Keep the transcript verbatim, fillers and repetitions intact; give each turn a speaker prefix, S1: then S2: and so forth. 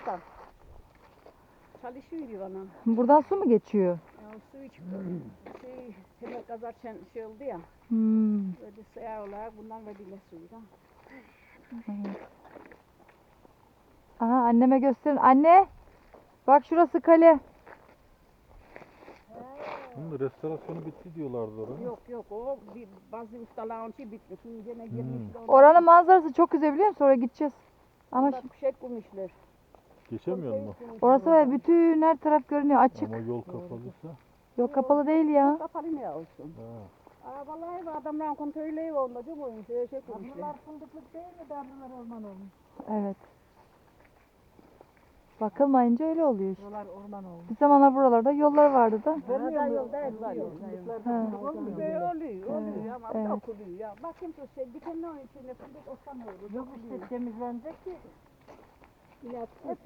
S1: da. Çalışıyor bana.
S2: Buradan su mu geçiyor?
S1: Ya, su iç. Şey, hemen kazarken şey oldu ya.
S2: Hmm.
S1: Böyle suya olarak bundan verdiler suyu da.
S2: Evet. Aha, anneme gösterin. Anne! Bak şurası kale.
S3: Bunun restorasyonu bitti diyorlardı oraya.
S1: Yok yok o bir, bazı ustaların şey bitmiş. Şimdi gene
S3: Hmm.
S1: girmişler.
S2: Oranın manzarası çok güzel biliyor musun? Oraya gideceğiz. Ama
S1: Ama
S2: şimdi,
S1: şey kurmuşlar.
S3: Geçemiyor mu?
S2: orası var ya, bütün her taraf görünüyor. Açık.
S3: Ama yol kapalıysa.
S2: Yok, kapalı değil ya.
S1: Kapalı ne olsun?
S3: Ha.
S1: Aa, vallahi bu adamların kontrolü olmadı değil mi? Şey, şey kurmuşlar.
S4: Bunlar fındıklık değil mi? Darlılar orman olmuş.
S2: Evet. Bakılmayınca öyle oluyor işte.
S4: Buralar orman olmuş.
S2: Bir zamanlar buralarda yollar vardı da.
S1: Vermiyor mu?
S4: yolda
S1: Var
S4: var
S1: yok.
S4: Fındıklarda
S2: Ha.
S4: fındık olmuyor mu?
S1: Oluyor, oluyor, oluyor ama
S2: Evet.
S1: çok oluyor ya. Bakayım şu şey, dikenlerin içinde fındık olsa ne olur?
S4: Yok işte temizlenecek ki.
S1: İlaç